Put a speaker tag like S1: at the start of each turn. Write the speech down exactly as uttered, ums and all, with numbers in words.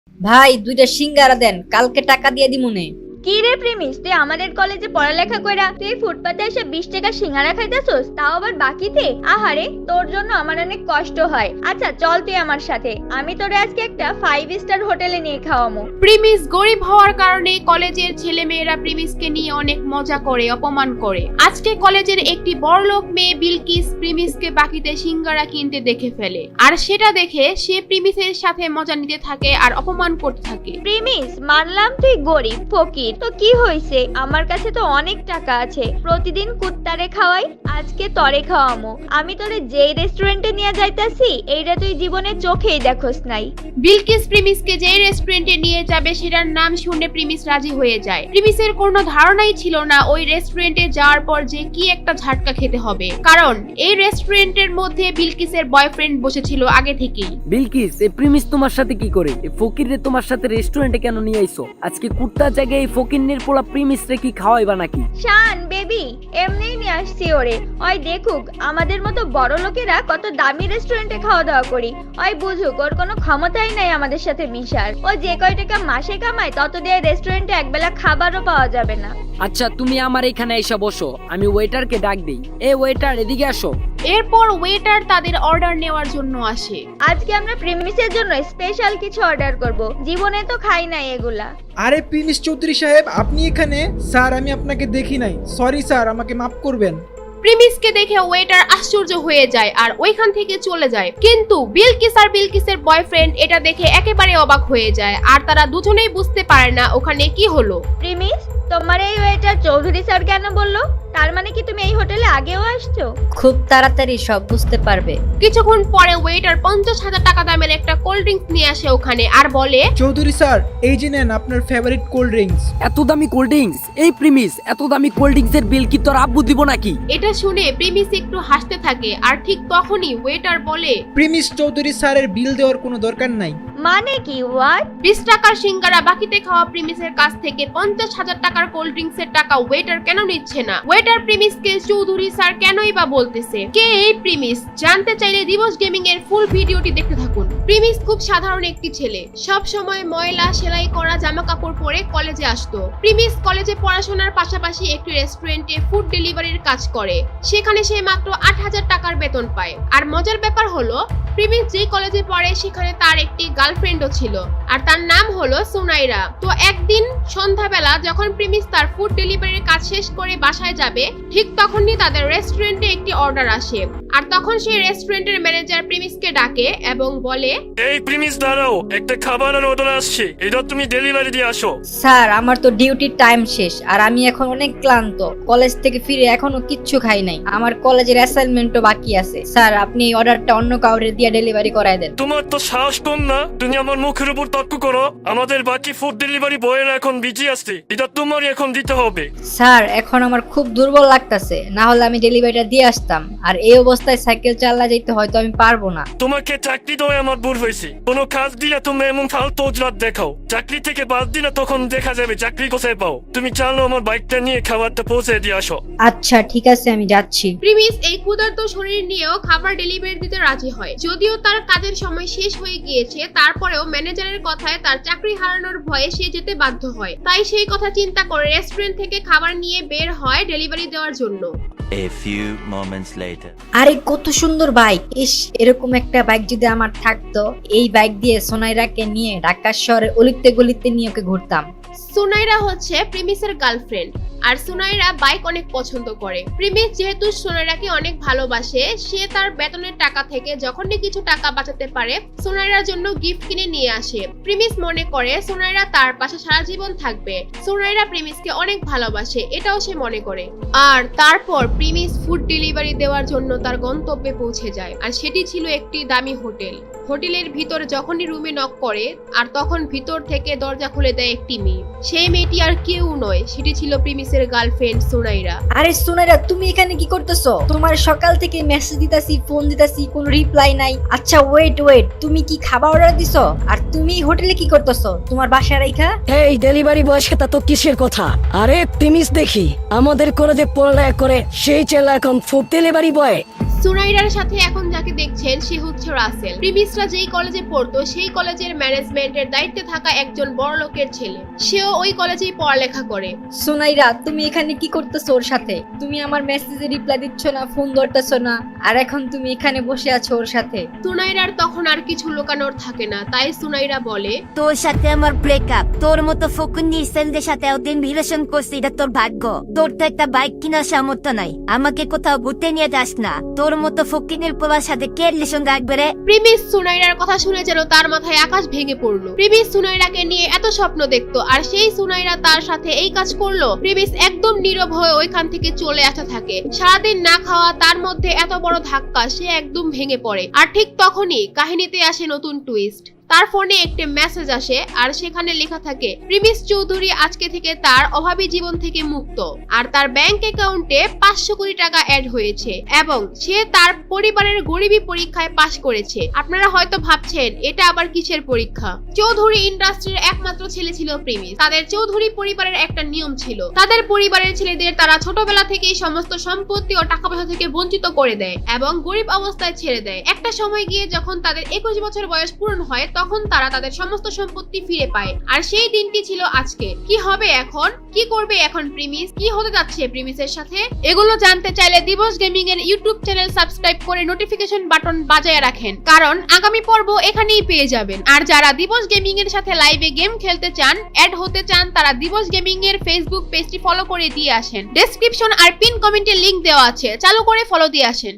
S1: ভাই দুইটা সিঙ্গারা দেন, কালকে টাকা দিয়ে দিমুনে।
S2: কি রে প্রেমিস, তুই আমাদের কলেজে পড়ালেখা কইরা তুই ফুটপাতে এসে বিশ টাকা সিঙ্গারা খাইতেছস, তাও আবার বাকিতে? আহারে, তোর জন্য আমার অনেক কষ্ট হয়। আচ্ছা চল তুই আমার সাথে, আমি তোরে আজকে একটা ফাইভ স্টার হোটেলে নিয়ে খাওয়ামু।
S3: প্রিমিস গরিব হওয়ার কারণে কলেজের ছেলে মেয়েরা প্রিমিসকে নিয়ে অনেক মজা করে, অপমান করে। আজকে কলেজের একটি বড়লোক মেয়ে বিলকিস প্রিমিসকে বাকিতে সিঙ্গারা কিনতে দেখে ফেলে, আর সেটা দেখে সে প্রিমিসের সাথে মজা নিতে থাকে আর অপমান করতে থাকে।
S2: প্রিমিস, মানলাম তুই গরিব ফকির, তো কি হইছে, আমার কাছে তো অনেক টাকা আছে, প্রতিদিন কুত্তারে খাওয়াই, আজকে তরে খাওয়ামু। আমি তোরে যেই রেস্টুরেন্টে নিয়ে যাইতাছি এইটা তুই জীবনে চোখেই দেখোস নাই।
S3: বিলকিস প্রিমিসকে যে রেস্টুরেন্টে নিয়ে যাবে সেটার নাম শুনে প্রিমিস রাজি হয়ে যায়। প্রিমিসের কোনো ধারণাই ছিল না ওই রেস্টুরেন্টে যাওয়ার পর যে কি একটা ঝাটকা খেতে হবে, কারণ এই রেস্টুরেন্টের মধ্যে বিলকিসের বয়ফ্রেন্ড বসেছিল আগে থেকেই।
S4: বিলকিস, এই প্রিমিস তোমার সাথে কি করে? এই ফকিররে তোমার সাথে রেস্টুরেন্টে কেন নিয়ে আইছো? আজকে কুত্তার জায়গায় এই ফকিরনের পোলা প্রিমিস রে কি খাওয়াইবা নাকি?
S2: শান বেবি, এমনিই নিয়ে আসছি ওরে, ওই দেখুক আমাদের মতো বড় লোকেরা কত দামি রেস্টুরেন্টে খাওয়া দাওয়া করি, ওই বুঝুক ওর কোনো ক্ষমতাই নাই আমাদের সাথে মিশার। ও যে কয় টাকা মাসে কামায় তত দিয়ে রেস্টুরেন্টে একবেলা খাবারও পাওয়া যাবে না।
S4: আচ্ছা তুমি আমার এখানে এসে বসো, আমি ওয়েটারকে ডাক দেই। এ ওয়েটার, এদিকে আসো।
S3: এরপর ওয়েটার তাদের অর্ডার নেওয়ার জন্য আসে।
S2: আজকে আমরা প্রিমিসের জন্য স্পেশাল কিছু অর্ডার করব, জীবনে তো খাই নাই এগুলা।
S5: আরে প্রিমিস চৌধুরী সাহেব, আপনি এখানে? স্যার আমি আপনাকে দেখি নাই, সরি স্যার, আমাকে মাফ করবেন।
S3: প্রিমিসকে দেখে ওয়েটার আশ্চর্য হয়ে যায় আর ওইখান থেকে চলে যায়, কিন্তু বিলকিস আর বিলকিসের বয়ফ্রেন্ড এটা দেখে একেবারে অবাক হয়ে যায় আর তারা দুজনেই বুঝতে পারে না ওখানে কি হলো।
S2: প্রিমিস, তোমার এই ওয়েটার চৌধুরী স্যার কেন বললো? তার মানে কি তুমি এই হোটেলে আগেও আসছো?
S1: খুব তাড়াতাড়ি সব বুঝতে পারবে।
S3: কিছুক্ষণ পরে ওয়েটার পঞ্চাশ হাজার টাকা দামের একটা কোল্ড ড্রিঙ্কস নিয়ে আসে ওখানে আর বলে,
S5: চৌধুরী স্যার এই যে নেন আপনার ফেভারিট কোল্ড ড্রিঙ্কস।
S4: এত দামি কোল্ড ড্রিঙ্কস? এই প্রিমিস, এত দামি কোল্ড ড্রিঙ্কস এর বিল কি তোর আব্বু দিব নাকি?
S3: এটা শুনে প্রিমিস একটু হাসতে থাকে আর ঠিক তখনই ওয়েটার বলে,
S5: প্রিমিস চৌধুরী স্যারের বিল দেওয়ার কোনো দরকার নাই।
S2: মানে কি? হোয়াট?
S3: বিশ টাকার সিঙ্গারা বাকিতে খাওয়া প্রিমিসের কাছ থেকে পঞ্চাশ হাজার টাকার কোল্ড ড্রিঙ্কস এর টাকা ওয়েটার কেন নিচ্ছে না? ওয়েটার প্রিমিসকে চৌধুরী স্যার কেনই বা বলতেছে? কে এই প্রিমিস? জানতে চাইলে দিবস গেমিং এর ফুল ভিডিওটি দেখতে থাকুন। প্রিমিস খুব সাধারণ একটি ছেলে, সব সময় ময়লা সেলাই করা জামা কাপড় পরে কলেজে আসতো। প্রিমিস কলেজে পড়াশোনার পাশাপাশি একটি রেস্টুরেন্টে ফুড ডেলিভারির কাজ করে, সেখানে সে মাত্র আট হাজার টাকার বেতন পায়। আর মজার ব্যাপার হলো প্রিমিস যে কলেজে পড়ে সেখানে তার একটি গার্লফ্রেন্ডও ছিল, আর তার নাম হলো সুনাইরা। তো একদিন সন্ধ্যাবেলা যখন প্রিমিস তার ফুড ডেলিভারির কাজ শেষ করে বাসায় যাবে, ঠিক তখনই তাদের রেস্টুরেন্টে একটি অর্ডার আসে, আর তখন সেই রেস্টুরেন্টের ম্যানেজার প্রিমিসকে ডাকে এবং বলে,
S6: এই প্রিমিস দাঁড়াও, একটা খাবারের অর্ডার আসছে, এটা তুমি ডেলিভারি দিয়ে আসো।
S1: স্যার আমার তো ডিউটির টাইম শেষ আর আমি এখন অনেক ক্লান্ত, কলেজ থেকে ফিরে এখনো কিচ্ছু খাই নাই, আমার কলেজের অ্যাসাইনমেন্টও বাকি আছে। স্যার আপনি এই অর্ডারটা অন্য কাউরে দিয়ে ডেলিভারি করায় দেন।
S6: তোমার তো সাহস কম না, তুমি আমার মুখের উপর তর্ক করো। আমাদের বাকি ফুড ডেলিভারি বয়েরা এখন বিজি আসছে, এটা তোমারই এখন দিতে হবে।
S1: স্যার এখন আমার খুব দুর্বল লাগতেছে, না হলে আমি ডেলিভারিটা দিয়ে আসতাম, আর এই অবস্থায় সাইকেল চালা যেতে হয়তো আমি পারবো না।
S6: তোমাকে চাকরি দেওয়া আমার ভুল হয়েছে, কোনো কাজ দিলে তুমি এমন ফালতু অজুহাত দেখাও, চাকরি থেকে বাদ দিলে তখন দেখা যাবে চাকরি কোথায় পাও। তুমি চালো আমার বাইকটা নিয়ে খাবারটা পৌঁছে দিয়ে আসো।
S1: আচ্ছা ঠিক আছে, আমি যাচ্ছি।
S3: প্রিমিস এই ক্ষুধার্ত শরীর নিয়েও খাবার ডেলিভারি দিতে রাজি হয়। যদিও তার কাজের সময় শেষ হয়ে গিয়েছে, তারপরেও ম্যানেজারের কথায় তার চাকরি হারানোর ভয়ে সে যেতে বাধ্য হয়। তাই সেই কথা চিন্তা করে রেস্টুরেন্ট থেকে খাবার নিয়ে বের হয় ডেলিভারি দেওয়ার জন্য।
S7: A few moments later.
S1: আরে কত সুন্দর বাইক! ইস, এরকম একটা বাইক যদি আমার থাকতো, এই বাইক দিয়ে সোনাইরাকে নিয়ে ঢাকা শহরে অলিতে গলিতে নিয়ে ওকে ঘুরতাম।
S3: সুনাইরা হচ্ছে প্রিমিসের গার্লফ্রেন্ড, আর সুনাইরা বাইক অনেক পছন্দ করে। প্রিমিস যেহেতু সুনাইরাকে অনেক ভালোবাসে, সে তার বেতনের টাকা থেকে যখনই কিছু টাকা বাঁচাতে পারে সুনাইরার জন্য গিফট কিনে নিয়ে আসে। প্রিমিস মনে করে সুনাইরা তার পাশে সারা জীবন থাকবে। সুনাইরা প্রিমিসকে অনেক ভালোবাসে, এটাও সে মনে করে। আর তারপর প্রিমিস ফুড ডেলিভারি দেওয়ার জন্য তার গন্তব্যে পৌঁছে যায়, আর সেটি ছিল একটি দামি হোটেল। হোটেলের ভিতর যখনই রুমে নক করে, আর তখন ভিতর থেকে দরজা খুলে দেয় একটি মেয়ে। সেই মেয়েটি আর কেউ নয়, সেটি ছিল প্রিমিসের গার্লফ্রেন্ড সুনাইরা।
S1: আরে সুনাইরা, তুমি এখানে কি করতেছো? তোমার সকাল থেকে মেসেজ দিতাছি, ফোন দিতাছি, কোনো রিপ্লাই নাই। আচ্ছা ওয়েট ওয়েট, তুমি কি খাবার অর্ডার দিছো? আর তুমি হোটেলে কি করতেছো তোমার বাসায় রাইখা?
S8: এই ডেলিভারি বয়ের সাথে তো কিসের কথা? আরে প্রিমিস দেখি আমাদের কলেজে পড়ালেখা করে সেই ছেলে এখন ফুড ডেলিভারি বয়।
S3: সুনাইরার সাথে এখন যাকে যাকে দেখছেন সে হচ্ছে রাসেল। প্রিমিসরা যেই কলেজে পড়তো সেই কলেজের ম্যানেজমেন্টের দায়িত্বে থাকা একজন বড় লোকের ছেলে। সেও ওই কলেজেই পড়ালেখা করে।
S1: সুনাইরা, তুমি এখানে কি করতেছো ওর সাথে? তুমি আমার মেসেজে রিপ্লাই দিচ্ছ না, ফোন ধরতেছো না, আর এখন তুমি এখানে বসে আছো ওর সাথে।
S3: সুনাইরার তখন আর কিছু লুকানোর থাকে না, তাই সুনাইরা বলে,
S9: তোর সাথে আমার ব্রেকআপ। তোর মতো ফকুন্নি সেলদের সাথে ওদিন রিলেশন করছি, এটা তোর ভাগ্য। তোর তো একটা বাইক কেনার সামর্থ্য নাই, আমাকে কোথাও ঘুরতে নিয়ে যাস না। তোর মতো ফকিনের পোলার সাথে কে রিলেশন রাখবে রে?
S3: প্রিমিস সুনাইরার কথা শুনে যেন তার মাথায় আকাশ ভেঙে পড়লো। প্রিমিস সুনাইরাকে নিয়ে এত স্বপ্ন দেখতো, আর সেই সুনাইরা তার সাথে এই কাজ করলো। প্রিমিস একদম নীরব হয়ে ওইখান থেকে চলে আসতে থাকে। সারাদিন না খাওয়া, তার মধ্যে এত বড় ধাক্কা, সে একদম ভেঙে পড়ে। আর ঠিক তখনই কাহিনীতে আসে নতুন টুইস্ট। তার ফোনে একটি মেসেজ আসে, আর সেখানে লেখা থাকে প্রিমিস চৌধুরী আজকে থেকে তার অভাবী জীবন থেকে মুক্ত, আর তার ব্যাংক অ্যাকাউন্টে পাঁচশো কোটি টাকা অ্যাড হয়েছে, এবং সে তার পরিবারের গরিবী পরীক্ষায় পাশ করেছে। আপনারা হয়তো ভাবছেন এটা আবার কিসের পরীক্ষা। চৌধুরী ইন্ডাস্ট্রির একমাত্র ছেলে ছিল প্রিমিস। তাদের চৌধুরী পরিবারের একটা নিয়ম ছিল, তাদের পরিবারের ছেলেদের তারা ছোটবেলা থেকেই সমস্ত সম্পত্তি ও টাকা পয়সা থেকে বঞ্চিত করে দেয় এবং গরিব অবস্থায় ছেড়ে দেয়। একটা সময় গিয়ে যখন তাদের একুশ বছর বয়স পূরণ হয়, তখন তারা তাদের সমস্ত সম্পত্তি ফিরে পায়। আর সেই দিনটি ছিল আজকে। কি হবে এখন? কি করবে এখন প্রিমিস? কি হতে যাচ্ছে প্রিমিসের সাথে? এগুলো জানতে চাইলে দিবস গেমিং এর ইউটিউব চ্যানেল সাবস্ক্রাইব করে নোটিফিকেশন বাটন বাজায় রাখেন, কারণ আগামী পর্ব এখানেই পেয়ে যাবেন। আর যারা দিবস গেমিং এর সাথে লাইভে গেম খেলতে চান, অ্যাড হতে চান, তারা দিবস গেমিং এর ফেসবুক পেজটি ফলো করে দিয়ে আসেন। ডেসক্রিপশন আর পিন কমেন্টে লিংক দেওয়া আছে, চালু করে ফলো দিয়ে আসেন।